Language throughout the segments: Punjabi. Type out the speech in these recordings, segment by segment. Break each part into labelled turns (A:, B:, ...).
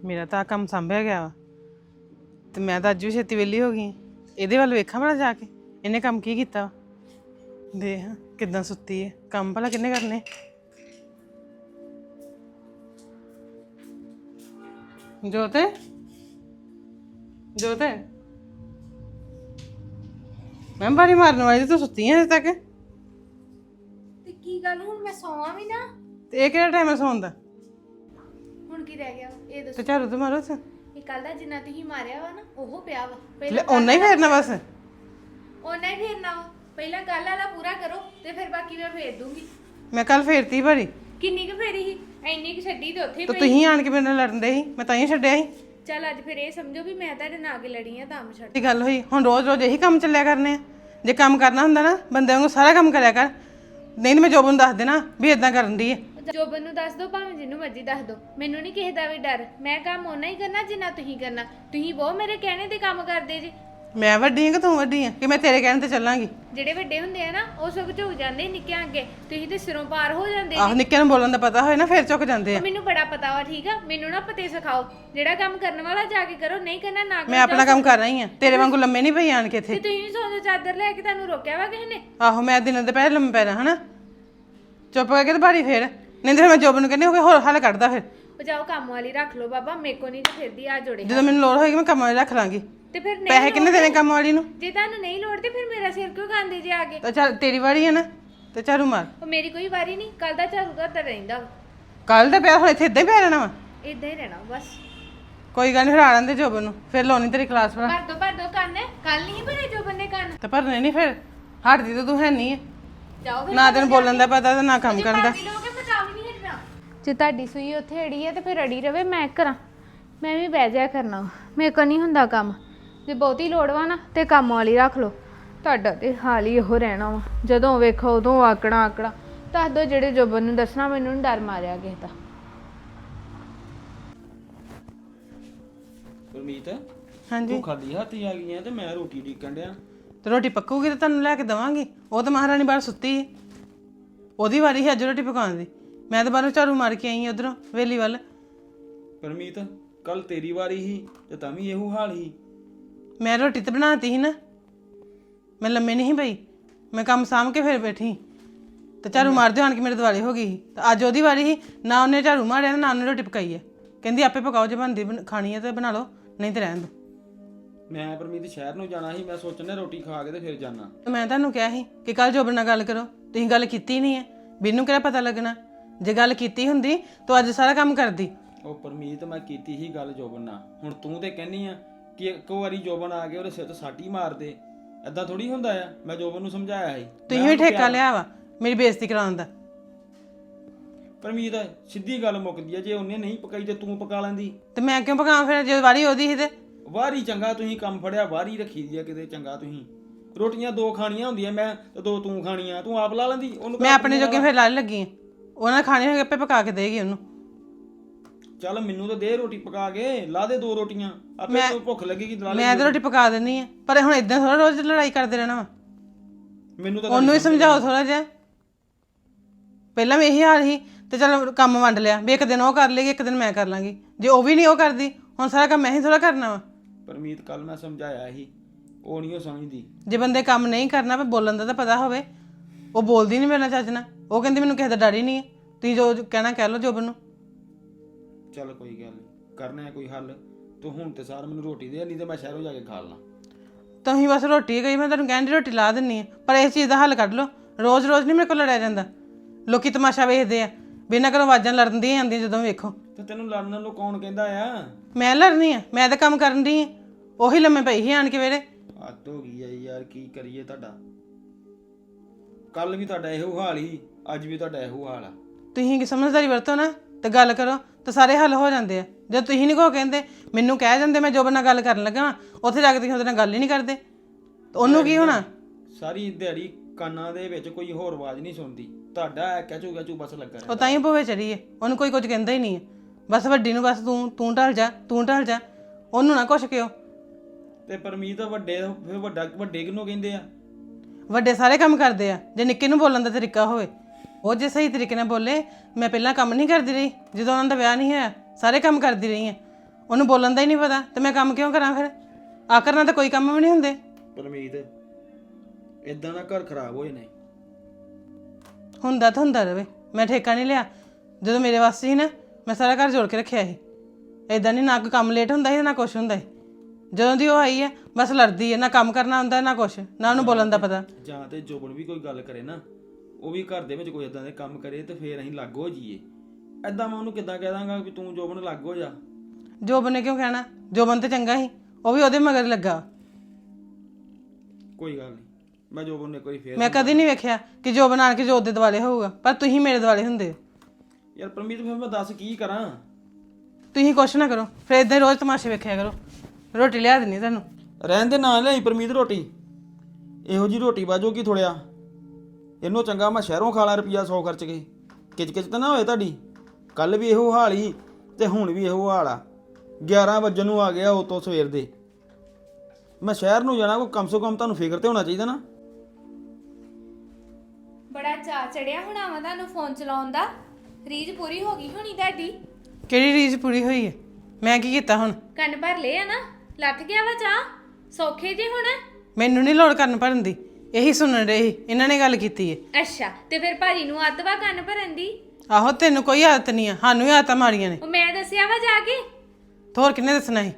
A: ਮੇਰਾ ਤਾਂ ਕੰਮ ਸੰਭਿਆ ਗਿਆ ਵਾ ਤੇ ਮੈਂ ਤਾਂ ਅੱਜ ਵੀ ਛੇਤੀ ਵਿਹਲੀ ਹੋ ਗਈ। ਇਹਦੇ ਵੱਲ ਵੇਖਾਂ ਭਲਾ ਜਾ ਕੇ ਇਹਨੇ ਕੰਮ ਕੀ ਕੀਤਾ ਵਾ। ਦੇਖ ਕਿੱਦਾਂ ਸੁੱਤੀ ਹੈ, ਕੰਮ ਭਲਾ ਕਿੰਨੇ ਕਰਨੇ। ਜੋਤ ਜੋਤ ਮੈਂ ਬਾਰੀ ਮਾਰਨ ਵਾਲੀ ਤੂੰ ਸੁੱਤੀ ਹੈ ਹਜੇ ਤੱਕ।
B: ਤੇ ਕੀ ਗੱਲ ਹੁਣ ਮੈਂ ਸੌਵਾਂ ਵੀ ਨਾ।
A: ਤੇ ਇਹ ਕਿਹੜਾ ਟਾਈਮ ਹੈ ਸੌਣ ਦਾ?
B: ਹੁਣ ਕੀ ਰਹਿ ਗਿਆ ਇਹ
A: ਤੇ
B: ਦੱਸੋ।
A: ਝਾੜੂ ਤੇ ਮਾਰੋ ਸੇ
B: ਇਹ ਕੱਲ ਦਾ ਜਿੰਨਾ ਤੁਸੀਂ ਮਾਰਿਆ ਵਾ ਨਾ ਉਹ ਪਿਆ ਵਾ
A: ਲੈ ਓਨਾ ਹੀ ਫੇਰਨਾ ਬਸ।
B: ਉਹਨਾਂ ਹੀ ਫੇਰਨਾ ਵਾ। ਪਹਿਲਾਂ ਕੱਲ ਵਾਲਾ ਪੂਰਾ ਕਰੋ ਤੇ ਫਿਰ ਬਾਕੀ ਮੈਂ ਫੇਰ ਦੂੰਗੀ।
A: ਮੈਂ ਕੱਲ ਫੇਰਤੀ ਭਾਰੀ
B: ਕਿੰਨੀ ਕੁ ਫੇਰੀ ਸੀ? ਇੰਨੀ ਕੁ ਛੱਡੀ ਤੇ ਉੱਥੇ
A: ਤੇ
B: ਪਈ।
A: ਤੁਸੀਂ ਆਣ ਕੇ ਮੇਰੇ ਨਾਲ ਲੜਨ ਦੇ ਸੀ, ਮੈਂ ਤਾਂ ਹੀ ਛੱਡਿਆ ਸੀ।
B: ਚੱਲ ਅੱਜ ਫਿਰ ਇਹ ਸਮਝੋ ਵੀ ਮੈਂ ਤੁਹਾਡੇ ਨਾਲ ਅੱਗੇ ਲੜੀ ਆ ਤਾਂ ਮੈਂ ਛੱਡ।
A: ਇਹ ਗੱਲ ਹੋਈ ਹੁਣ ਰੋਜ਼ ਰੋਜ਼ ਇਹੀ ਕੰਮ ਚੱਲਿਆ ਕਰਨੇ ਆ। ਜੇ ਕੰਮ ਕਰਨਾ ਹੁੰਦਾ ਨਾ ਬੰਦੇ ਵਾਂਗੂ ਸਾਰਾ ਕੰਮ ਕਰਿਆ ਕਰ। ਨਹੀਂ ਤਾਂ ਮੈਂ ਜੋਬਨ ਨੂੰ ਦੱਸ ਦੇਣਾ ਵੀ ਇਦਾਂ ਕਰਨ ਦੀ ਹੈ।
B: ਜੋਬਨ ਨੂੰ ਦੱਸ ਦੋ ਭਾਵੇਂ ਜਿਹਨੂੰ ਮਰਜ਼ੀ ਦੱਸ ਦੋ, ਮੈਨੂੰ ਨਹੀਂ ਕਿਸੇ ਦਾ ਵੀ ਡਰ। ਮੈਂ ਕੰਮ ਓਨਾ ਹੀ ਕਰਨਾ ਜਿੰਨਾ ਤੁਸੀਂ ਕਰਨਾ। ਤੁਸੀਂ ਬਹੁਤ ਮੇਰੇ ਕਹਿਣੇ ਤੇ ਕੰਮ ਕਰਦੇ ਜੀ।
A: ਮੈਂ ਵੱਡੀ ਹਾਂ ਕਿ ਤੂੰ ਵੱਡੀ ਹੈ ਕਿ ਮੈਂ ਤੇਰੇ ਕਹਿਣ ਤੇ ਚੱਲਾਂਗੀ?
B: ਜਿਹੜੇ ਵੱਡੇ ਹੁੰਦੇ ਆ ਨਾ ਉਹ ਸਭ ਝੁਕ ਜਾਂਦੇ ਨਿੱਕਿਆਂ ਅੱਗੇ। ਤੁਸੀਂ ਤੇ ਸਿਰੋਂ ਪਾਰ ਹੋ ਜਾਂਦੇ
A: ਆਹ ਨਿੱਕੇ ਨੂੰ ਬੋਲਣ ਦਾ ਪਤਾ ਹੋਏ ਨਾ ਫਿਰ ਚੁੱਕ ਜਾਂਦੇ ਆ।
B: ਮੈਨੂੰ ਬੜਾ ਪਤਾ ਵਾ। ਠੀਕ ਆ, ਮੈਨੂੰ ਨਾ ਪਤੇ ਸਿਖਾਓ। ਜਿਹੜਾ ਕੰਮ ਕਰਨ ਵਾਲਾ ਜਾ ਕੇ ਕਰੋ, ਨਹੀਂ ਕਰਨਾ ਨਾ ਕਰੋ।
A: ਮੈਂ ਆਪਣਾ ਕੰਮ ਕਰ ਰਹੀ ਹਾਂ, ਤੇਰੇ ਵਾਂਗੂ ਲੰਮੇ ਨਹੀਂ ਪਈ ਆਣ ਕੇ ਇੱਥੇ।
B: ਤੇ ਤੁਸੀਂ ਵੀ ਸੌਂ ਜਾਓ, ਚਾਦਰ ਲੈ ਕੇ ਤੁਹਾਨੂੰ ਰੋਕਿਆ ਵਾ ਕਿਸੇ ਨੇ?
A: ਆਹੋ ਮੈਂ ਦਿਨਾਂ ਦੇ ਪਹਿਲੇ ਲੰਮੇ ਪੈਣਾ ਹਨਾ। ਚੁੱਪ ਕਰਕੇ ਤੇ ਭਾਰੀ ਫੇਰ, ਨਹੀਂ ਤਾਂ ਮੈਂ ਜੋਬਨ ਨੂੰ ਕਹਿੰਦੀ ਹੋਵੇ ਹੋਰ ਹੱਲ ਕੱਢਦਾ ਫਿਰ।
B: ਉਹ ਜਾਓ ਕੰਮ ਵਾਲੀ ਰੱਖ ਲਓ ਬਾਬਾ, ਮੇਰੇ ਕੋ ਨਹੀਂ ਤੇ ਫਿਰਦੀ ਆ ਜੋੜੇ।
A: ਜਦੋਂ ਮੈਨੂੰ ਲੋੜ ਹੋਏਗੀ ਮੈਂ ਕੰਮ ਵਾਲੀ ਰੱਖ ਲਾਂਗੀ।
B: ਤੇ ਫਿਰ ਨਹੀਂ
A: ਪੈਸੇ ਕਿੰਨੇ ਦੇਣੇ ਕੰਮ ਵਾਲੀ ਨੂੰ?
B: ਜੇ ਤੁਹਾਨੂੰ ਨਹੀਂ ਲੋੜ ਤੇ ਫਿਰ ਮੇਰਾ ਸਿਰ ਕਿਉਂ ਖਾਂਦੇ ਜੇ ਆ ਕੇ?
A: ਤਾਂ ਚੱਲ ਤੇਰੀ ਵਾਰੀ ਹੈ ਨਾ ਤੇ ਝਾੜੂ ਮਾਰ।
B: ਉਹ ਮੇਰੀ ਕੋਈ ਵਾਰੀ ਨਹੀਂ। ਕੱਲ ਦਾ ਝਾੜੂ ਦਾ ਤਾਂ ਰਹਿੰਦਾ ਵਾ।
A: ਕੱਲ ਦਾ ਪਿਆ ਹੁਣ ਇੱਥੇ ਇਦਾਂ ਹੀ ਪਿਆ ਰਹਿਣਾ ਵਾ।
B: ਇਦਾਂ ਹੀ ਰਹਿਣਾ ਬਸ।
A: ਕੋਈ ਗੱਲ ਨਹੀਂ, ਫਿਰ ਆ ਲੈਂਦੇ ਜੋਬਨ ਨੂੰ, ਫਿਰ ਲਾਉਣੀ ਤੇਰੀ ਕਲਾਸ ਭਰਾ।
B: ਭਰ ਦੋ ਕੰਨ। ਕੱਲ ਨਹੀਂ ਭਰੇ ਜੋ ਬੰਦੇ ਕੰਨ।
A: ਤੇ ਭਰਨੇ ਨਹੀਂ ਫਿਰ, ਹਟਦੀ ਤਾਂ ਤੂੰ ਹੈ ਨਹੀਂ ਹੈ।
B: ਜਾਓ ਫਿਰ।
A: ਨਾ ਤੈਨੂੰ ਬੋਲਣ ਦਾ ਪਤਾ ਤੇ ਨਾ ਕੰਮ ਕਰਨ ਦਾ।
B: ਜੇ ਤੁਹਾਡੀ ਸੂਈ ਉੱਥੇ ਅੜੀ ਹੈ ਤੇ ਫਿਰ ਅੜੀ ਰਵੇ। ਮੈਂ ਕਰਾਂ, ਮੈਂ ਵੀ ਬਹਿ ਜਾਇਆ ਕਰਨਾ। ਮੇਰੇ ਕੋਲ ਨਹੀਂ ਹੁੰਦਾ ਕੰਮ। ਜੇ ਬਹੁਤੀ ਲੋੜ ਵਾ ਨਾ ਤੇ ਕੰਮ ਵਾਲੀ ਰੱਖ ਲਓ। ਤੁਹਾਡਾ ਤੇ ਹਾਲ ਹੀ ਇਹੋ ਰਹਿਣਾ ਵਾ। ਜਦੋਂ ਵੇਖੋ ਉਦੋਂ ਆਕੜਾ ਦੱਸ ਦੋ ਜਿਹੜੇ ਜੋਬਨ ਨੂੰ ਦੱਸਣਾ। ਮੈਨੂੰ ਨੀ ਡਰ ਮਾਰਿਆ ਕਿਸੇ ਦਾ।
C: ਗੁਰਮੀਤ
A: ਹਾਂਜੀ
C: ਤੂੰ ਖਾਲੀ ਹੱਥ ਹੀ ਆ ਗਈ ਆ ਤੇ ਮੈਂ ਰੋਟੀ ਢੀਕਣ ਡਿਆ।
A: ਤੇ ਰੋਟੀ ਪੱਕੂਗੀ ਤੇ ਤੁਹਾਨੂੰ ਲੈ ਕੇ ਦੇਵਾਂਗੀ। ਉਹ ਤਾਂ ਮਹਾਰਾਣੀ ਬਾਹਰ ਸੁੱਤੀ ਹੈ, ਉਹਦੀ ਵਾਰੀ ਹੈ ਅੱਜ ਰੋਟੀ ਪਕਾਉਣ ਦੀ। ਮੈਂ ਤਾਂ ਬਾਹਰੋਂ ਝਾੜੂ ਮਾਰ ਕੇ ਆਈ ਉਧਰੋਂ ਵੇਲੀ ਵੱਲ।
C: ਗੁਰਮੀਤ ਕੱਲ ਤੇਰੀ ਵਾਰੀ ਸੀ ਤੇ ਤਾਂ ਵੀ ਇਹੋ ਹਾਲ ਸੀ।
A: ਮੈਂ ਰੋਟੀ ਤੇ ਬਣਾਤੀ ਸੀ ਨਾ, ਮੈਂ ਲੰਮੇ ਨਹੀਂ ਪਈ। ਮੈਂ ਕੰਮ ਸਾਂਭ ਕੇ ਫਿਰ ਬੈਠੀ ਤੇ ਝਾੜੂ ਮਾਰਦੇ ਆਣ ਕੇ ਮੇਰੇ ਦੁਆਲੇ ਹੋ ਗਈ ਸੀ। ਤੇ ਅੱਜ ਉਹਦੀ ਵਾਰੀ ਸੀ, ਨਾ ਉਹਨੇ ਝਾੜੂ ਮਾਰਿਆ ਨਾ ਉਹਨੇ ਰੋਟੀ ਪਕਾਈ ਹੈ। ਕਹਿੰਦੀ ਆਪੇ ਪਕਾਓ, ਜੇ ਬਣਦੀ ਖਾਣੀ ਹੈ ਤੇ ਬਣਾ ਲਓ, ਨਹੀਂ ਤੇ ਰਹਿਣ ਦਿਓ।
C: ਮੈਂ ਪਰਮੀਤ ਸ਼ਹਿਰ ਨੂੰ ਜਾਣਾ ਸੀ, ਮੈਂ ਸੋਚਣਾ ਰੋਟੀ ਖਾ ਕੇ ਤੇ ਫਿਰ ਜਾਣਾ।
A: ਮੈਂ ਤੁਹਾਨੂੰ ਕਿਹਾ ਸੀ ਕਿ ਕੱਲ ਜੋਬਨ ਨਾਲ ਗੱਲ ਕਰੋ, ਤੁਸੀਂ ਗੱਲ ਕੀਤੀ ਨਹੀਂ ਹੈ। ਮੈਨੂੰ ਕਿਹੜਾ ਪਤਾ ਲੱਗਣਾ? ਜੇ ਗੱਲ ਕੀਤੀ ਹੁੰਦੀ ਤਾਂ ਅੱਜ ਸਾਰਾ ਕੰਮ ਕਰਦੀ।
C: ਉਹ ਪਰਮੀਤ ਮੈਂ ਕੀਤੀ ਸੀ ਗੱਲ ਜੋਬਨ ਨਾਲ। ਹੁਣ ਤੂੰ ਤੇ ਕਹਿੰਨੀ ਆ ਕਿ ਇੱਕ ਵਾਰੀ ਜੋਬਨ ਆ ਕੇ ਉਹਦੇ ਸਿਰ ਤੇ ਸਾਟੀ ਮਾਰ ਦੇ। ਏਦਾਂ ਥੋੜੀ ਹੁੰਦਾ ਆ। ਮੈਂ ਜੋਬਨ ਨੂੰ ਸਮਝਾਇਆ ਸੀ।
A: ਤੁਸੀਂ ਵੀ ਠੇਕਾ ਲਿਆ ਵਾ ਮੇਰੀ ਬੇਇੱਜ਼ਤੀ ਕਰਾਉਣ ਦਾ।
C: ਪਰਮੀਤ ਸਿੱਧੀ ਗੱਲ ਮੁੱਕਦੀ ਆ, ਜੇ ਉਹਨੇ ਨਹੀਂ ਪਕਾਈ ਤੇ ਤੂੰ ਪਕਾ ਲੈਂਦੀ।
A: ਤੇ ਮੈਂ ਕਿਉਂ ਪਕਾਵਾਂ ਫਿਰ ਜੇ ਵਾਰੀ ਉਹਦੀ ਸੀ ਤੇ?
C: ਵਾਰੀ ਚੰਗਾ ਤੁਸੀਂ ਕੰਮ ਫੜਿਆ, ਵਾਰੀ ਰੱਖੀ ਦੀ ਆ ਕਿਤੇ। ਚੰਗਾ ਤੁਸੀਂ ਰੋਟੀਆਂ ਦੋ ਖਾਣੀਆਂ ਹੁੰਦੀਆਂ, ਮੈਂ ਤੇ ਦੋ ਤੂੰ ਖਾਣੀਆਂ। ਤੂੰ ਆਪ ਲਾ ਲੈਂਦੀ ਉਹਨੂੰ।
A: ਮੈਂ ਆਪਣੇ ਜੋਗੇ ਫਿਰ ਲਾ ਲੱਗੀ ਆ। ਉਹਨਾਂ ਨੇ ਖਾਣੇ ਹੋਏ ਆਪੇ ਪਕਾ ਕੇ ਦੇਗੀ ਉਹਨੂੰ।
C: ਚੱਲ ਮੈਨੂੰ ਤਾਂ ਦੇ ਰੋਟੀ ਪਕਾ ਕੇ, ਲਾ ਦੇ ਦੋ ਰੋਟੀਆਂ। ਆਪੇ ਤੈਨੂੰ ਭੁੱਖ ਲੱਗੇਗੀ ਲਾ ਲੈ।
A: ਮੈਂ ਤਾਂ ਰੋਟੀ ਪਕਾ ਦਿੰਦੀ ਆ, ਪਰ ਹੁਣ ਇਦਾਂ ਥੋੜਾ ਰੋਜ਼ ਲੜਾਈ ਕਰਦੇ ਰਹਿਣਾ ਵਾ।
C: ਮੈਨੂੰ ਤਾਂ
A: ਉਹਨੂੰ ਹੀ ਸਮਝਾਓ ਥੋੜਾ ਜਿਹਾ। ਪਹਿਲਾਂ ਵੀ ਇਹੀ ਹਾਲ ਸੀ ਤੇ ਚਲ ਕੰਮ ਵੰਡ ਲਿਆ ਵੀ ਇੱਕ ਦਿਨ ਉਹ ਕਰ ਲੇਗੀ ਇੱਕ ਦਿਨ ਮੈਂ ਕਰ ਲਾਂਗੀ। ਜੇ ਉਹ ਵੀ ਨਹੀਂ ਉਹ ਕਰਦੀ ਹੁਣ ਸਾਰਾ ਕੰਮ ਮੈਂ ਹੀ ਥੋੜਾ ਕਰਨਾ ਵਾ।
C: ਪਰਮੀਤ ਕੱਲ ਮੈਂ ਸਮਝਾਇਆ ਸੀ, ਉਹ ਨਹੀਂ ਉਹ ਸਮਝਦੀ।
A: ਜੇ ਬੰਦੇ ਕੰਮ ਨਹੀਂ ਕਰਨਾ ਪਰ ਬੋਲਣ ਦਾ ਤਾਂ ਪਤਾ ਹੋਵੇ। ਉਹ ਬੋਲਦੀ ਨਹੀਂ ਮੇਰੇ ਨਾਲ ਚੱਜ ਨਾਲ। ਉਹ ਕਹਿੰਦੀ ਮੈਨੂੰ ਕਿਸੇ ਦਾ ਡਰ ਹੀ ਨਹੀਂ ਹੈ। ਤੁਸੀਂ ਜੋ ਕਹਿਣਾ ਕਹਿ ਲਓ ਜੋਬਨ ਨੂੰ।
C: ਚੱਲ ਕੋਈ ਗੱਲ ਨਹੀਂ, ਕਰਨਾ ਕੋਈ ਹੱਲ। ਤੂੰ ਹੁਣ ਤੇ ਸਾਰ ਮੈਨੂੰ ਰੋਟੀ ਦੇ, ਨਹੀਂ ਤੇ ਮੈਂ ਸ਼ਹਿਰੋਂ ਜਾ ਕੇ ਖਾ ਲਾਂ।
A: ਤੁਸੀਂ ਬਸ ਰੋਟੀ ਗਈ, ਮੈਂ ਤੁਹਾਨੂੰ ਕਹਿੰਦੀ ਰੋਟੀ ਲਾ ਦਿੰਨੀ ਆ, ਪਰ ਇਸ ਚੀਜ਼ ਦਾ ਹੱਲ ਕੱਢ ਲਓ। ਰੋਜ਼ ਰੋਜ਼ ਨਹੀਂ ਮੇਰੇ ਕੋਲ ਲੜਿਆ ਜਾਂਦਾ। ਲੋਕੀ ਤਮਾਸ਼ਾ ਵੇਖਦੇ ਆ, ਬਿਨਾਂ ਘਰੋਂ ਆਵਾਜ਼ਾਂ ਲੜਨ ਦੀਆਂ ਆਉਂਦੀਆਂ ਜਦੋਂ ਵੇਖੋ।
C: ਤੇ ਤੈਨੂੰ ਲੜਨ ਨੂੰ ਕੌਣ ਕਹਿੰਦਾ ਆ?
A: ਮੈਂ ਲੜਨੀ ਆ? ਮੈਂ ਤਾਂ ਕੰਮ ਕਰਨ ਦੀ ਆ। ਉਹੀ ਲੰਮੇ ਪਈ ਸੀ ਆਣ ਕੇ ਵੇੜੇ।
C: ਹੱਦ ਹੋ ਗਈ ਆ ਯਾਰ, ਕੀ ਕਰੀਏ ਤੁਹਾਡਾ। ਕੱਲ ਵੀ ਤੁਹਾਡਾ ਇਹੋ ਹਾਲ ਹੀ, ਅੱਜ ਵੀ ਤੁਹਾਡਾ ਇਹੋ ਹਾਲ ਆ।
A: ਤੁਸੀਂ ਕੀ ਸਮਝਦਾਰੀ ਵਰਤੋ ਨਾ ਤੇ ਗੱਲ ਕਰੋ ਤਾਂ ਸਾਰੇ ਹੱਲ ਹੋ ਜਾਂਦੇ ਆ। ਜਦ ਤੁਸੀਂ ਨਹੀਂ ਕੋ ਕਹਿੰਦੇ, ਮੈਨੂੰ ਕਹਿ ਜਾਂਦੇ ਮੈਂ ਜੋਬਨ ਨਾਲ ਗੱਲ ਕਰਨ ਲੱਗਾ, ਉੱਥੇ ਜਾ ਕੇ ਤੁਸੀਂ ਉਹਦੇ ਨਾਲ ਗੱਲ ਹੀ ਨਹੀਂ ਕਰਦੇ, ਉਹਨੂੰ ਕੀ ਹੋਣਾ?
C: ਸਾਰੀ ਦਿਹਾੜੀ ਕੰਨਾਂ ਦੇ ਵਿੱਚ ਕੋਈ ਹੋਰ ਆਵਾਜ਼ ਨਹੀਂ ਸੁਣਦੀ। ਤੁਹਾਡਾ ਕਹਿ ਬਸ ਲੱਗਾ
A: ਉਹ ਤਾਂ ਹੀ ਭੋਵੇ ਚੜੀ ਹੈ, ਉਹਨੂੰ ਕੋਈ ਕੁਝ ਕਹਿੰਦਾ ਹੀ ਨਹੀਂ ਹੈ। ਬਸ ਵੱਡੀ ਨੂੰ ਬਸ ਤੂੰ ਢਲ ਜਾ, ਤੂੰ ਢਲ ਜਾ, ਉਹਨੂੰ ਨਾ ਕੁਛ ਕਿਉ।
C: ਤੇ ਪਰਮੀਤ ਵੱਡੇ ਫਿਰ ਵੱਡੇ ਕਿਹਨੂੰ ਕਹਿੰਦੇ ਆ?
A: ਵੱਡੇ ਸਾਰੇ ਕੰਮ ਕਰਦੇ ਆ ਜੇ ਨਿੱਕੇ ਨੂੰ ਬੋਲਣ ਦਾ ਤਰੀਕਾ ਹੋਵੇ। ਉਹ ਜੇ ਸਹੀ ਤਰੀਕੇ ਨਾਲ ਬੋਲੇ। ਮੈਂ ਪਹਿਲਾਂ ਕੰਮ ਨਹੀਂ ਕਰਦੀ ਰਹੀ ਜਦੋਂ ਉਹਨਾਂ ਦਾ ਵਿਆਹ ਨਹੀਂ ਹੋਇਆ, ਸਾਰੇ ਕੰਮ ਕਰਦੀ ਰਹੀ ਹਾਂ। ਉਹਨੂੰ ਬੋਲਣ ਦਾ ਹੀ ਨਹੀਂ ਪਤਾ ਤੇ ਮੈਂ ਕੰਮ ਕਿਉਂ ਕਰਾਂ ਫਿਰ? ਆ ਕਰਨਾ ਤਾਂ ਕੋਈ ਕੰਮ ਵੀ ਨਹੀਂ ਹੁੰਦੇ।
C: ਪਰਮੀਤ ਇਦਾਂ ਦਾ ਘਰ ਖਰਾਬ ਹੋ ਜਾਣਾ।
A: ਹੁੰਦਾ ਤਾਂ ਹੁੰਦਾ ਰਵੇ, ਮੈਂ ਠੇਕਾ ਨਹੀਂ ਲਿਆ। ਜਦੋਂ ਮੇਰੇ ਵਾਸਤੇ ਸੀ ਨਾ, ਮੈਂ ਸਾਰਾ ਘਰ ਜੋੜ ਕੇ ਰੱਖਿਆ ਸੀ। ਇਦਾਂ ਨਹੀਂ, ਨਾ ਕੋਈ ਕੰਮ ਲੇਟ ਹੁੰਦਾ ਸੀ ਨਾ ਕੁਛ ਹੁੰਦਾ ਸੀ। ਜਦੋਂ ਦੀ ਉਹ ਆਈ ਹੈ ਬਸ ਲੜਦੀ ਹੈ, ਨਾ ਕੰਮ ਕਰਨਾ ਹੁੰਦਾ ਨਾ ਕੁਛ, ਨਾ ਉਹਨੂੰ ਬੋਲਣ ਦਾ ਪਤਾ।
C: ਜਾਂ ਤੇ ਜੋਬਨ ਵੀ ਕੋਈ ਗੱਲ ਕਰੇ ਨਾ, ਉਹ ਵੀ ਘਰ ਦੇ ਵਿੱਚ ਕੋਈ ਇਦਾਂ ਦੇ ਕੰਮ ਕਰੇ ਤੇ ਫੇਰ ਅਸੀਂ ਲੱਗ ਹੋ ਜਾਈਏ। ਐਦਾਂ ਮੈਂ ਉਹਨੂੰ ਕਿੱਦਾਂ ਕਹਿ ਦਾਂਗਾ ਵੀ ਤੂੰ ਜੋਬਨ ਲੱਗ ਹੋ ਜਾ।
A: ਜੋਬਨ ਨੇ ਕਿਉਂ ਕਹਿਣਾ? ਜੋਬਨ ਤੇ ਚੰਗਾ ਸੀ, ਉਹ ਵੀ ਉਹਦੇ ਮਗਰ ਲੱਗਾ।
C: ਕੋਈ ਗੱਲ ਨਹੀਂ, ਮੈਂ ਜੋਬਨ ਨੇ ਕੋਈ ਫੇਰ
A: ਮੈਂ ਕਦੀ ਨਹੀਂ ਵੇਖਿਆ ਕਿ ਜੋਬਨ ਆਣ ਕੇ ਜੋਤ ਦੇ ਦੁਆਲੇ ਹੋਊਗਾ, ਪਰ ਤੁਸੀਂ ਮੇਰੇ ਦੁਆਲੇ ਹੁੰਦੇ ਹੋ।
C: ਯਾਰ ਪਰਮੀਤ ਫਿਰ ਮੈਂ ਦੱਸ ਕੀ ਕਰਾਂ?
A: ਤੁਸੀਂ ਕੁਛ ਨਾ ਕਰੋ, ਫਿਰ ਇਦਾਂ ਹੀ ਰੋਜ਼ ਤਮਾਸ਼ੇ ਵੇਖਿਆ ਕਰੋ। ਰੋਟੀ ਲਿਆ ਦੇਣੀ ਤੁਹਾਨੂੰ।
C: ਰਹਿਣ ਦੇ ਨਾ ਲਿਆਈ ਪਰਮੀਤ ਰੋਟੀ, ਇਹੋ ਜੀ ਰੋਟੀ ਬਾਜੋ ਕੀ ਥੋੜਿਆ। ਇਹਨੂੰ ਚੰਗਾ ਮੈਂ ਸ਼ਹਿਰੋਂ ਖਾ ਲਾਂ ਰੁਪਈਆ 100 ਖਰਚ ਕੇ। ਕਿਚ ਤਾਂ ਨਾ ਹੋਏ ਤੁਹਾਡੀ। ਕੱਲ ਵੀ ਇਹੋ ਹਾਲ ਹੀ ਤੇ ਹੁਣ ਵੀ ਇਹੋ ਹਾਲ ਆ। 11 ਵਜੇ ਨੂੰ ਆ ਗਿਆ ਉਹ ਤੋਂ ਸਵੇਰ ਦੇ। ਮੈਂ ਸ਼ਹਿਰ ਨੂੰ ਜਾਣਾ, ਕੋਈ ਕਮ ਸੇ ਕਮ ਤੁਹਾਨੂੰ ਫਿਕਰ ਤੇ ਹੋਣਾ ਚਾਹੀਦਾ ਨਾ।
B: ਬੜਾ ਚਾਅ ਚੜਿਆ ਹੋਣਾ ਵਾ ਤੁਹਾਨੂੰ ਫੋਨ ਚਲਾਉਣ ਦਾ। ਰੀਝ ਪੂਰੀ ਹੋ ਗਈ ਹੋਣੀ ਤੁਹਾਡੀ।
A: ਕਿਹੜੀ ਰੀਝ ਪੂਰੀ ਹੋਈ ਹੈ? ਮੈਂ ਕੀ ਕੀਤਾ ਹੁਣ?
B: ਕੰਨ ਭਰ ਲਏ ਆ ਨਾ, ਲੱਥ ਗਿਆ ਵਾ ਚਾਹ। ਸੌਖੇ ਜੇ ਹੁਣ।
A: ਮੈਨੂੰ ਨਹੀਂ ਲੋੜ ਕਰਨ ਭਰਨ ਦੀ, ਇਹੀ ਸੁਣਨ ਰਹੇ ਇਹਨਾਂ ਨੇ ਗੱਲ ਕੀਤੀ ਹੈ।
B: ਅੱਛਾ, ਤੇ ਫਿਰ ਭਾਜੀ ਨੂੰ ਆਦਤ ਵਾ ਕੰਨ ਭਰਨ ਦੀ?
A: ਆਹੋ, ਤੈਨੂੰ ਕੋਈ ਆਦਤ ਨਹੀਂ ਆ, ਸਾਨੂੰ ਹੀ ਆਦਤਾਂ ਮਾਰੀਆਂ ਨੇ।
B: ਉਹ ਮੈਂ ਦੱਸਿਆ ਵਾ ਜਾ ਕੇ?
A: ਹੋਰ ਕਿੰਨੇ ਦੱਸਣਾ ਸੀ?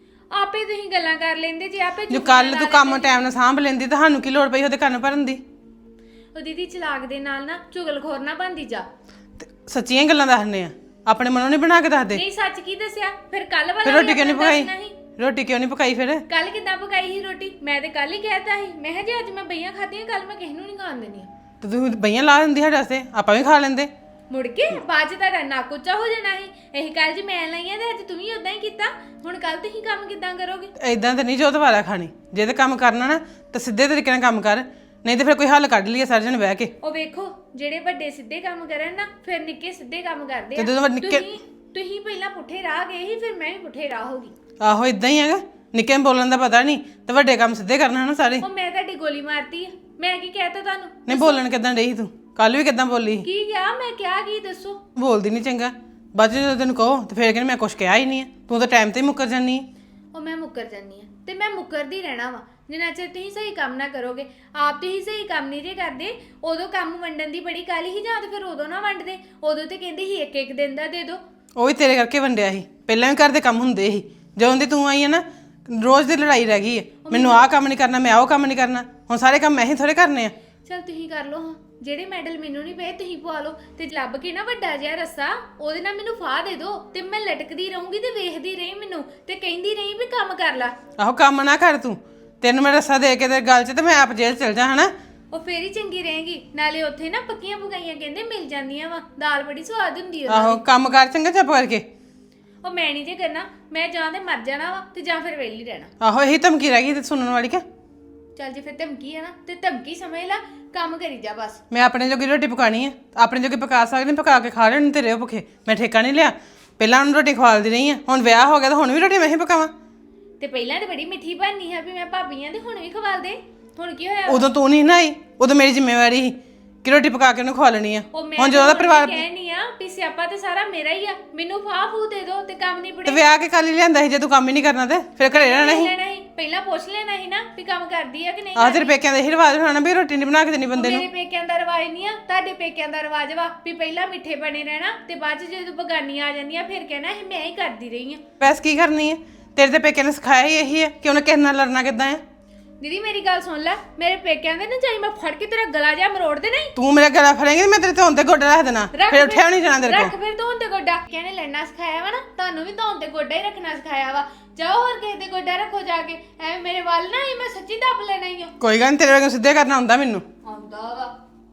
B: ਆਪੇ ਤੁਸੀਂ ਗੱਲਾਂ ਕਰ ਲੈਂਦੇ ਜੇ ਆਪੇ
A: ਜੋ ਕੱਲ ਤੂੰ ਕੰਮ ਟਾਈਮ ਨਾਲ ਸਾਂਭ ਲੈਂਦੀ ਤਾਂ ਸਾਨੂੰ ਕੀ ਲੋੜ ਪਈ ਉਹਦੇ ਕੰਨ ਭਰਨ ਦੀ?
B: ਉਹ ਦੀਦੀ ਚਲਾਕ ਦੇ ਨਾਲ ਨਾ ਚੁਗਲਖੋਰ ਨਾ ਬਣਦੀ ਜਾ।
A: ਤੇ ਸੱਚੀਆਂ ਗੱਲਾਂ ਦੱਸਣੇ ਆ, ਆਪਣੇ ਮਨੋਂ ਨਹੀਂ ਬਣਾ ਕੇ ਦੱਸਦੇ।
B: ਨਹੀਂ ਸੱਚ ਕੀ ਦੱਸਿਆ? ਫਿਰ ਕੱਲ ਵਾਲਾ
A: ਫਿਰ ਰੋਟੀ ਕਿਉਂ ਨਹੀਂ ਪਕਾਈ? ਰੋਟੀ ਕਿਉਂ ਨਹੀਂ ਪਕਾਈ ਫਿਰ?
B: ਕੱਲ ਕਿੱਦਾਂ ਪਕਾਈ ਸੀ ਰੋਟੀ? ਮੈਂ ਤੇ ਕੱਲ ਹੀ ਕਹਿਤਾ ਸੀ, ਮੈਂ ਕਿਹਾ ਜੇ ਅੱਜ ਮੈਂ ਬਈਆਂ ਖਾਧੀਆਂ ਕੱਲ ਮੈਂ ਕਿਸੇ ਨੂੰ ਨਹੀਂ ਖਾਣ ਦੇਣੀਆਂ।
A: ਤੇ ਤੂੰ ਬਈਆਂ ਲਾ ਦਿੰਦੀ ਸਾਡੇ ਵਾਸਤੇ, ਆਪਾਂ ਵੀ ਖਾ ਲੈਂਦੇ।
B: ਮੁੜ ਕੇ ਬਾਅਦ ਚ ਤੁਹਾਡਾ ਨੱਕ ਉੱਚਾ ਹੋ ਜਾਣਾ ਸੀ। ਇਹ ਕੱਲ ਜੀ ਮੈਂ ਲਾਈਆਂ ਤੇ ਅੱਜ ਤੂੰ ਵੀ ਉਦਾਂ ਹੀ ਕੀਤਾ। ਹੁਣ ਕੱਲ ਤੁਸੀਂ ਕੰਮ ਕਿੱਦਾਂ ਕਰੋਗੇ?
A: ਐਦਾਂ ਤੇ ਨਹੀਂ ਜੋ ਦੁਬਾਰਾ ਖਾਣੀ। ਜੇ ਤੇ ਕੰਮ ਕਰਨਾ ਨਾ ਤਾਂ ਸਿੱਧੇ ਤਰੀਕੇ ਨਾਲ ਕੰਮ ਕਰ, ਨਹੀਂ ਤੇ ਫਿਰ ਕੋਈ ਹੱਲ ਕੱਢ ਲਈਏ ਸਾਰੇ ਜਣੇ ਬਹਿ ਕੇ।
B: ਉਹ ਵੇਖੋ, ਜਿਹੜੇ ਵੱਡੇ ਸਿੱਧੇ ਕੰਮ ਕਰਨ ਨਾ, ਫਿਰ ਨਿੱਕੇ ਸਿੱਧੇ ਕੰਮ ਕਰਦੇ ਆ।
A: ਤੇ ਜਦੋਂ ਨਿੱਕੇ
B: ਤੁਸੀਂ ਪਹਿਲਾਂ ਪੁੱਠੇ ਰਾਹ ਗਏ ਸੀ, ਫਿਰ ਮੈਂ ਵੀ ਪੁੱਠੇ ਰਾਹ ਹੋ ਗਈ।
A: ਆਹੋ, ਇਦਾਂ ਹੀ ਹੈਗਾ। ਨਿੱਕੇ ਨੂੰ ਬੋਲਣ ਦਾ ਪਤਾ ਨਹੀਂ ਤੇ ਵੱਡੇ ਕੰਮ ਸਿੱਧੇ ਕਰਨਾ ਨਾ ਸਾਰੇ।
B: ਉਹ ਮੈਂ ਤੁਹਾਡੀ ਗੋਲੀ ਮਾਰਤੀ ਆ। ਮੈਂ ਕੀ ਕਹਿਤਾ ਤੁਹਾਨੂੰ?
A: ਨਹੀਂ, ਬੋਲਣ ਕਿੱਦਾਂ ਰਹੀ ਤੂੰ? ਕੱਲ ਵੀ ਕਿੱਦਾਂ ਬੋਲੀ?
B: ਕੀ ਕਿਹਾ ਮੈਂ? ਕਿਹਾ ਕੀ ਦੱਸੋ?
A: ਬੋਲਦੀ ਨਹੀਂ ਚੰਗਾ। ਬਾਅਦ ਚ ਜਦੋਂ ਤੈਨੂੰ ਕਹੋ ਤੇ ਫਿਰ ਕਹਿੰਦੀ ਮੈਂ ਕੁਛ ਕਿਹਾ ਹੀ ਨਹੀਂ ਹੈ। ਤੂੰ ਤਾਂ ਟਾਈਮ ਤੇ ਹੀ ਮੁੱਕਰ ਜਾਂਦੀ ਹੈ।
B: ਉਹ ਮੈਂ ਮੁੱਕਰ ਜਾਂਦੀ ਆ ਤੇ ਮੈਂ ਮੁੱਕਰਦੀ ਰਹਿਣਾ ਵਾ ਜਿੰਨਾ ਚਿਰ ਤੁਸੀਂ ਸਹੀ ਕੰਮ ਨਾ ਕਰੋਗੇ। ਆਪ ਤੁਸੀਂ ਸਹੀ ਕੰਮ ਨਹੀਂ ਜੇ ਕਰਦੇ। ਉਦੋਂ ਕੰਮ ਵੰਡਣ ਦੀ ਬੜੀ ਕਾਹਲੀ ਸੀ, ਜਾਂ ਤੇ ਫਿਰ ਉਦੋਂ ਨਾ ਵੰਡਦੇ। ਉਦੋਂ ਤੇ ਕਹਿੰਦੀ ਸੀ ਇੱਕ ਇੱਕ ਦਿਨ ਦਾ ਦੇ ਦਿਓ।
A: ਉਹ ਵੀ ਤੇਰੇ ਕਰਕੇ ਵੰਡਿਆ ਸੀ। ਪਹਿਲਾਂ ਵੀ ਘਰ ਦੇ ਕੰਮ ਹੁੰਦੇ ਸੀ। ਜਦੋਂ ਦੀ ਤੂੰ ਆਈ ਹੈ ਨਾ, ਰੋਜ਼ ਦੀ ਲੜਾਈ ਰਹਿ ਗਈ ਹੈ। ਮੈਨੂੰ ਆਹ ਕੰਮ ਨਹੀਂ ਕਰਨਾ, ਮੈਂ ਉਹ ਕੰਮ ਨਹੀਂ ਕਰਨਾ। ਹੁਣ ਸਾਰੇ ਕੰਮ ਮੈਂ ਹੀ ਥੋੜੇ ਕਰਨੇ ਆ।
B: ਚਲ ਤੁਸੀਂ ਕਰ ਲਓ ਹਾਂ। ਜਿਹੜੇ ਮੈਡਲ ਮੈਨੂੰ ਨਹੀਂ ਪਏ ਤੁਸੀਂ ਪਵਾ ਲਓ। ਤੇ ਲੱਭ ਕੇ ਨਾ ਵੱਡਾ ਜਿਹਾ ਰੱਸਾ ਉਹਦੇ ਨਾਲ ਮੈਨੂੰ ਫਾਹ ਦੇ ਦਿਓ ਤੇ ਮੈਂ ਲਟਕਦੀ ਰਹੂੰਗੀ ਤੇ ਵੇਖਦੀ ਰਹੀ ਮੈਨੂੰ ਤੇ ਕਹਿੰਦੀ ਰਹੀ ਵੀ ਕੰਮ ਕਰ ਲੈ।
A: ਆਹੋ, ਕੰਮ ਨਾ ਕਰ ਤੂੰ। ਤੈਨੂੰ ਮੈਂ ਰੱਸਾ ਦੇ ਕੇ ਤੇ ਗੱਲ 'ਚ ਤੇ ਮੈਂ ਆਪ ਜੇਲ੍ਹ ਚਲ ਜਾ, ਹਨਾ?
B: ਉਹ ਫੇਰ ਹੀ ਚੰਗੀ ਰਹੇਗੀ। ਨਾਲੇ ਉੱਥੇ ਨਾ ਪੱਕੀਆਂ ਪਕਾਈਆਂ ਕਹਿੰਦੇ ਮਿਲ ਜਾਂਦੀਆਂ ਵਾ। ਦਾਲ ਬੜੀ ਸਵਾਦ ਹੁੰਦੀ ਆ।
A: ਆਹੋ, ਕੰਮ ਕਰ ਚੰਗਾ ਚੁੱਪ ਕਰਕੇ।
B: ਉਹ ਮੈਂ ਨਹੀਂ ਜੇ ਕਰਨਾ। ਮੈਂ ਜਾਂ ਤੇ ਮਰ ਜਾਣਾ ਵਾ ਤੇ ਜਾਂ ਫਿਰ ਵਿਹਲੀ ਰਹਿਣਾ।
A: ਆਹੋ, ਇਹੀ ਧਮਕੀ ਰਹਿ ਗਈ ਤੇ ਸੁਣਨ ਵਾਲੀ ਕਿ?
B: ਚੱਲ ਜੇ ਫਿਰ ਧਮਕੀ ਆ ਨਾ ਤੇ ਧਮਕੀ ਸਮਝ ਲੈ, ਕੰਮ ਕਰੀ ਜਾ ਬਸ।
A: ਮੈਂ ਆਪਣੇ ਜੋਗੀ ਰੋਟੀ ਪਕਾਣੀ ਹੈ, ਆਪਣੇ ਜੋਗੀ ਪਕਾ ਸਕਦੀ, ਪਕਾ ਕੇ ਖਾ ਲੈਣੀ। ਤੇਰੇ ਭੁੱਖੇ ਮੈਂ ਠੇਕਾ ਨਹੀਂ ਲਿਆ। ਪਹਿਲਾਂ ਉਹਨੂੰ ਰੋਟੀ ਖਵਾਲਦੀ ਰਹੀ ਆ, ਹੁਣ ਵਿਆਹ ਹੋ ਗਿਆ ਤਾਂ ਹੁਣ ਵੀ ਰੋਟੀ ਮੈਂ ਹੀ ਪਕਾਵਾਂ।
B: ਤੇ ਪਹਿਲਾਂ ਤੇ ਬੜੀ ਮਿੱਠੀ ਬਣਨੀ ਹੈ ਵੀ ਮੈਂ ਭਾਬੀਆਂ ਦੇ, ਹੁਣ ਵੀ ਖਵਾਲ ਦੇ। ਹੁਣ ਕੀ ਹੋਇਆ?
A: ਉਦੋਂ ਤੂੰ ਨਹੀਂ ਨਾ ਆਈ, ਉਦੋਂ ਮੇਰੀ ਜ਼ਿੰਮੇਵਾਰੀ ਸੀ ਕਿ ਰੋਟੀ ਪਕਾ ਕੇ ਉਹਨੂੰ ਖਵਾ ਲੈਣੀ ਆ। ਹੁਣ ਜਦੋਂ ਦਾ ਪਰਿਵਾਰ
B: ਕਹਿਣੀ ਆ ਵੀ ਸਿਆਪਾ ਤੇ ਸਾਰਾ ਮੇਰਾ ਹੀ ਆ, ਮੈਨੂੰ ਫਾਹ ਫੂ ਦੇ ਦੋ ਤੇ ਕੰਮ ਨਹੀਂ
A: ਤੇ
B: ਬੜੇ।
A: ਵਿਆਹ ਕੇ ਕੱਲ ਹੀ ਲਿਆਂਦਾ ਸੀ। ਜੇ ਤੂੰ ਕੰਮ ਹੀ ਨਹੀਂ ਕਰਨਾ ਤੇ ਫਿਰ ਘਰੇ ਰਹਿਣਾ ਸੀ।
B: ਪਹਿਲਾਂ ਪੁੱਛ ਲੈਣਾ ਸੀ ਨਾ ਵੀ ਕੰਮ ਕਰਦੀ ਆ ਕਿ ਨਹੀਂ।
A: ਆਹ ਤੇਰੇ ਪੇਕਿਆਂ ਦਾ ਇਹੀ ਰਿਵਾਜ ਹੋਣਾ ਵੀ ਰੋਟੀ ਨਹੀਂ ਬਣਾ ਕੇ ਦੇਣੀ ਬੰਦੇ ਨੂੰ।
B: ਮੇਰੇ ਪੇਕਿਆਂ ਦਾ ਰਿਵਾਜ ਨਹੀਂ ਆ, ਤੁਹਾਡੇ ਪੇਕਿਆਂ ਦਾ ਰਿਵਾਜ ਵਾ ਵੀ ਪਹਿਲਾਂ ਮਿੱਠੇ ਬਣੇ ਰਹਿਣਾ ਤੇ ਬਾਅਦ ਚ ਜਦੋਂ ਬਗਾਨੀਆਂ ਆ ਜਾਂਦੀਆਂ ਫਿਰ ਕਹਿਣਾ ਇਹ ਮੈਂ ਹੀ ਕਰਦੀ ਰਹੀ ਆ।
A: ਪੈਸ ਕੀ ਕਰਨੀ ਹੈ? ਤੇਰੇ ਤੇ ਪੇਕਿਆਂ ਨੇ ਸਿਖਾਇਆ ਹੀ ਇਹੀ ਹੈ ਕਿ ਉਹਨੇ ਕਿਸੇ ਨਾਲ ਲੜਨਾ ਕਿੱਦਾਂ ਹੈ।
B: ਦੀਦੀ ਮੇਰੀ ਗੱਲ ਸੁਣ ਲੈ, ਮੇਰੇ ਪੇਕਿਆਂ ਦੇ ਨਾ ਚਾਹੀ ਮੈਂ ਫੜ ਕੇ ਤੇਰਾ ਗਲਾ ਜਾ ਮਰੋੜ ਦੇ। ਨਹੀਂ
A: ਤੂੰ ਮੇਰਾ ਗਲਾ ਫੜੇਂਗੀ ਤੇ ਮੈਂ ਤੇਰੇ ਧੌਣ ਤੇ ਗੋਡਾ ਰੱਖ ਦੇਣਾ, ਫਿਰ ਉੱਠਿਆ ਨਹੀਂ ਜਾਣਾ ਤੇਰੇ ਕੋਲ।
B: ਰੱਖ ਫਿਰ ਧੌਣ ਤੇ ਗੋਡਾ। ਕਹਿੰਦੇ ਲੜਨਾ ਸਿਖਾਇਆ ਵਾ ਨਾ, ਤੁਹਾਨੂੰ ਵੀ ਧੌਣ ਤੇ ਗੋਡਾ ਹੀ ਰੱਖਣਾ ਸਿਖਾਇਆ ਵਾ। ਜਾਓ ਹੋਰ ਕਿਸੇ ਦੇ ਗੋਡਾ ਰੱਖੋ ਜਾ ਕੇ। ਐਵੇਂ ਮੇਰੇ ਵੱਲ ਨਾ ਹੀ ਮੈਂ ਸੱਚੀ ਦੱਬ ਲੈਣਾ ਹੀ ਆ।
A: ਕੋਈ ਗੱਲ ਨਹੀਂ, ਤੇਰੇ ਵਰਗੇ ਸਿੱਧੇ ਕਰਨਾ ਹੁੰਦਾ ਮੈਨੂੰ।
B: ਆਉਂਦਾ ਵਾ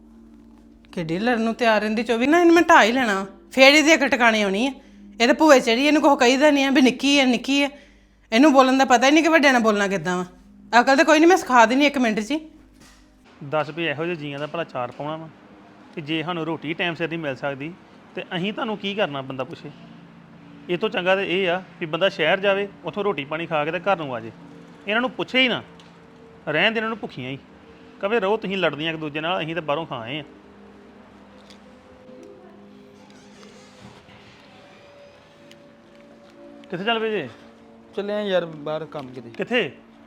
A: ਕਿੱਡੀ ਲੜਨ ਨੂੰ ਤਿਆਰ ਰਹਿੰਦੀ 24 ਨਾ। ਇਹਨੂੰ ਮੈਂ ਢਾਹ ਹੀ ਲੈਣਾ, ਫੇਰ ਇਹਦੀ ਇੱਕ ਟਿਕਾਣੇ ਆਉਣੀ ਹੈ। ਇਹ ਤਾਂ ਭੂਏ ਚੜੀ, ਇਹਨੂੰ ਕੁਛ ਕਹੀਦਾ ਨਹੀਂ ਆ ਵੀ ਨਿੱਕੀ ਹੈ ਨਿੱਕੀ ਹੈ। ਇਹਨੂੰ ਬੋਲਣ ਦਾ ਪਤਾ ਹੀ ਨਹੀਂ ਕਿ ਵੱਡਿਆਂ ਨਾਲ ਬੋਲਣਾ ਕਿੱਦਾਂ ਵਾ। ਅਕਲ ਤਾਂ ਕੋਈ ਨਹੀਂ, ਮੈਂ ਸਿਖਾ ਦੇਣੀ 1 ਮਿੰਟ 'ਚ ਹੀ।
D: ਦੱਸ ਵੀ ਇਹੋ ਜਿਹੇ ਜੀਆਂ ਦਾ ਭਲਾ ਚਾਰ ਪਾਉਣਾ ਵਾ ਕਿ ਜੇ ਸਾਨੂੰ ਰੋਟੀ ਟਾਈਮ ਸਿਰ ਨਹੀਂ ਮਿਲ ਸਕਦੀ ਤੇ ਅਸੀਂ ਤੁਹਾਨੂੰ ਕੀ ਕਰਨਾ? ਬੰਦਾ ਪੁੱਛੇ। ਇਹ ਤੋਂ ਚੰਗਾ ਤਾਂ ਇਹ ਆ ਵੀ ਬੰਦਾ ਸ਼ਹਿਰ ਜਾਵੇ, ਉੱਥੋਂ ਰੋਟੀ ਪਾਣੀ ਖਾ ਕੇ ਤੇ ਘਰ ਨੂੰ ਆ ਜੇ। ਇਹਨਾਂ ਨੂੰ ਪੁੱਛੇ ਹੀ ਨਾ, ਰਹਿਣ ਦੇ ਇਹਨਾਂ ਨੂੰ ਭੁੱਖੀਆਂ ਹੀ। ਕਵੇ ਰਹੋ ਤੁਸੀਂ ਲੜਦੀਆਂ ਇੱਕ ਦੂਜੇ ਨਾਲ, ਅਸੀਂ ਤਾਂ ਬਾਹਰੋਂ ਖਾ ਆਏ ਆ। ਕਿੱਥੇ ਚੱਲ ਪਏ ਜੇ
C: ਚੱਲੇ ਆ ਯਾਰ ਬਾਹਰ ਕੰਮ ਕਿਤੇ।
D: ਕਿੱਥੇ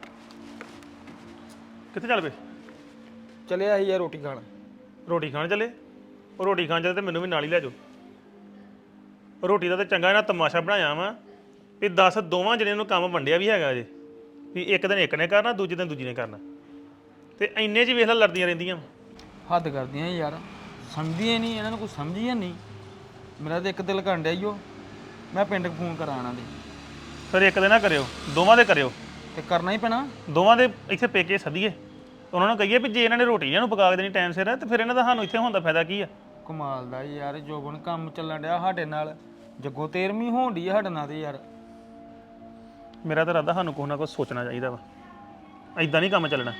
D: ਕਿੱਥੇ ਚੱਲ ਪਏ
C: ਚੱਲਿਆ ਸੀ ਯਾਰ ਰੋਟੀ ਖਾਣ।
D: ਰੋਟੀ ਖਾਣ ਚੱਲੇ ਉਹ ਰੋਟੀ ਖਾਣ ਚੱਲੇ ਤੇ ਮੈਨੂੰ ਵੀ ਨਾਲ ਹੀ ਲੈ ਜਾਓ ਰੋਟੀ ਦਾ ਤੇ ਚੰਗਾ ਇਹਨਾਂ ਤਮਾਸ਼ਾ ਬਣਾਇਆ ਵਾ ਵੀ 10 ਦੋਵਾਂ ਜਣਿਆਂ ਨੂੰ ਕੰਮ ਵੰਡਿਆ ਵੀ ਹੈਗਾ ਜੇ ਵੀ ਇੱਕ ਦਿਨ ਇੱਕ ਨੇ ਕਰਨਾ ਦੂਜੇ ਦਿਨ ਦੂਜੀ ਨੇ ਕਰਨਾ ਤੇ ਇੰਨੇ 'ਚ ਵੇਖ ਲੈ ਲੜਦੀਆਂ ਰਹਿੰਦੀਆਂ
C: ਹੱਦ ਕਰਦੀਆਂ ਯਾਰ, ਸਮਝਦੀਆਂ ਨਹੀਂ ਇਹਨਾਂ ਨੂੰ, ਕੁਝ ਸਮਝ ਹੀ ਨਹੀਂ। ਮੇਰਾ ਤਾਂ ਇੱਕ ਦਿਲ ਕਰਨ ਡਿਆ ਈ ਓ, ਮੈਂ ਪਿੰਡ ਫੋਨ ਕਰਾਂ ਇਹਨਾਂ ਦੇ।
D: ਫਿਰ ਇੱਕ ਦਿਨ ਨਾ ਕਰਿਓ ਦੋਵਾਂ ਦੇ ਕਰਿਓ
C: ਤੇ ਕਰਨਾ ਹੀ ਪੈਣਾ।
D: ਦੋਵਾਂ ਦੇ ਇੱਥੇ ਪੇਕੇ ਸੱਦੀਏ ਉਹਨਾਂ ਨੂੰ ਕਹੀਏ ਵੀ ਜੇ ਇਹਨਾਂ ਨੇ ਰੋਟੀ ਇਹਨਾਂ ਨੂੰ ਪਕਾ ਕੇ ਦੇਣੀ ਟਾਈਮ ਸਿਰ ਤੇ ਫਿਰ ਇਹਨਾਂ ਦਾ ਸਾਨੂੰ ਇੱਥੇ ਹੋਣ ਦਾ ਫਾਇਦਾ ਕੀ ਆ
C: ਕਮਾਲ ਦਾ ਯਾਰ, ਜੋਬਨ ਕੰਮ ਚੱਲਣ ਡਿਆ ਸਾਡੇ ਨਾਲ, ਜੱਗੋ 13ਵੀਂ ਹੋਣ ਡਈ ਆ ਸਾਡੇ ਨਾਲ ਤੇ ਯਾਰ।
D: ਮੇਰਾ ਤਾਂ ਇਰਾਦਾ ਸਾਨੂੰ ਕੁਛ ਨਾ ਕੁਛ ਸੋਚਣਾ ਚਾਹੀਦਾ ਵਾ ਐਦਾਂ ਨਹੀਂ ਕੰਮ ਚੱਲਣਾ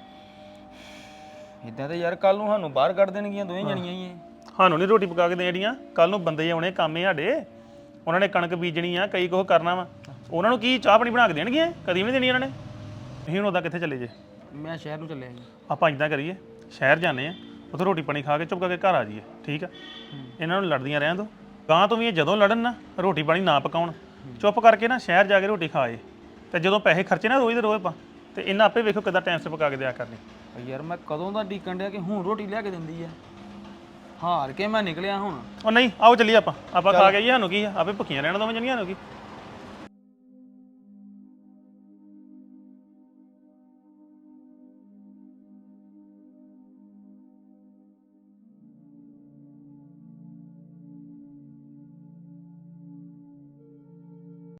C: ਇਦਾਂ ਤੇ ਯਾਰ ਕੱਲ ਨੂੰ ਸਾਨੂੰ ਬਾਹਰ ਕੱਢ ਦੇਣਗੀਆਂ ਦੋਵੇਂ ਜਣੀਆਂ ਹੀ ਇਹ।
D: ਸਾਨੂੰ ਨਹੀਂ ਰੋਟੀ ਪਕਾ ਕੇ ਦੇਣੀਆਂ ਕੱਲ ਨੂੰ ਬੰਦੇ ਆਉਣੇ ਕੰਮ ਸਾਡੇ ਉਹਨਾਂ ਨੇ ਕਣਕ ਬੀਜਣੀ ਆ ਕਈ ਕੁਛ ਕਰਨਾ ਵਾ ਉਹਨਾਂ ਨੂੰ ਕੀ ਚਾਹ ਪਾਣੀ ਬਣਾ ਕੇ ਦੇਣਗੀਆਂ ਕਦੀ ਵੀ ਨਹੀਂ ਦੇਣੀ ਉਹਨਾਂ ਨੇ ਅਸੀਂ ਹੁਣ ਉਦਾਂ ਕਿੱਥੇ ਚੱਲੇ ਜੇ
C: ਮੈਂ ਸ਼ਹਿਰ ਨੂੰ ਚੱਲਿਆ ਜੀ।
D: ਆਪਾਂ ਇਦਾਂ ਕਰੀਏ ਸ਼ਹਿਰ ਜਾਂਦੇ ਆ ਉੱਥੇ ਰੋਟੀ ਪਾਣੀ ਖਾ ਕੇ ਚੁੱਪ ਕਰਕੇ ਘਰ ਆ ਜਾਈਏ ਠੀਕ ਆ ਇਹਨਾਂ ਨੂੰ ਲੜਦੀਆਂ ਰਹਿਣ ਦੋ ਗਾਂ ਤੋਂ ਵੀ ਇਹ ਜਦੋਂ ਲੜਨ ਨਾ ਰੋਟੀ ਪਾਣੀ ਨਾ ਪਕਾਉਣ ਚੁੱਪ ਕਰਕੇ ਨਾ ਸ਼ਹਿਰ ਜਾ ਕੇ ਰੋਟੀ ਖਾਏ ਤੇ ਜਦੋਂ ਪੈਸੇ ਖਰਚੇ ਨਾ ਰੋਜ਼ ਦੇ ਰੋਜ਼ ਪਾ ਤੇ ਇਹਨਾਂ ਆਪੇ ਵੇਖੋ ਕਿੱਦਾਂ ਟਾਈਮ 'ਤੇ ਪਕਾ ਕੇ ਦਿਆ ਕਰਨੀ
C: ਯਾਰ ਮੈਂ ਕਦੋਂ ਦਾ ਡੀਕਣ ਡਿਆ ਕਿ ਹੁਣ ਰੋਟੀ ਲਿਆ ਕੇ ਦਿੰਦੀ ਆ। ਹਾਰ ਕੇ ਮੈਂ ਨਿਕਲਿਆ ਹੁਣ।
D: ਉਹ ਨਹੀਂ ਆਓ ਚੱਲੀਏ ਆਪਾਂ ਖਾ ਕੇ ਆਈਏ ਸਾਨੂੰ ਕੀ ਆ ਆਪੇ ਭੁੱਖੀਆਂ ਰਹਿਣ ਦੋਵੇਂ ਜਣੀਆਂ ਨੂੰ ਕੀ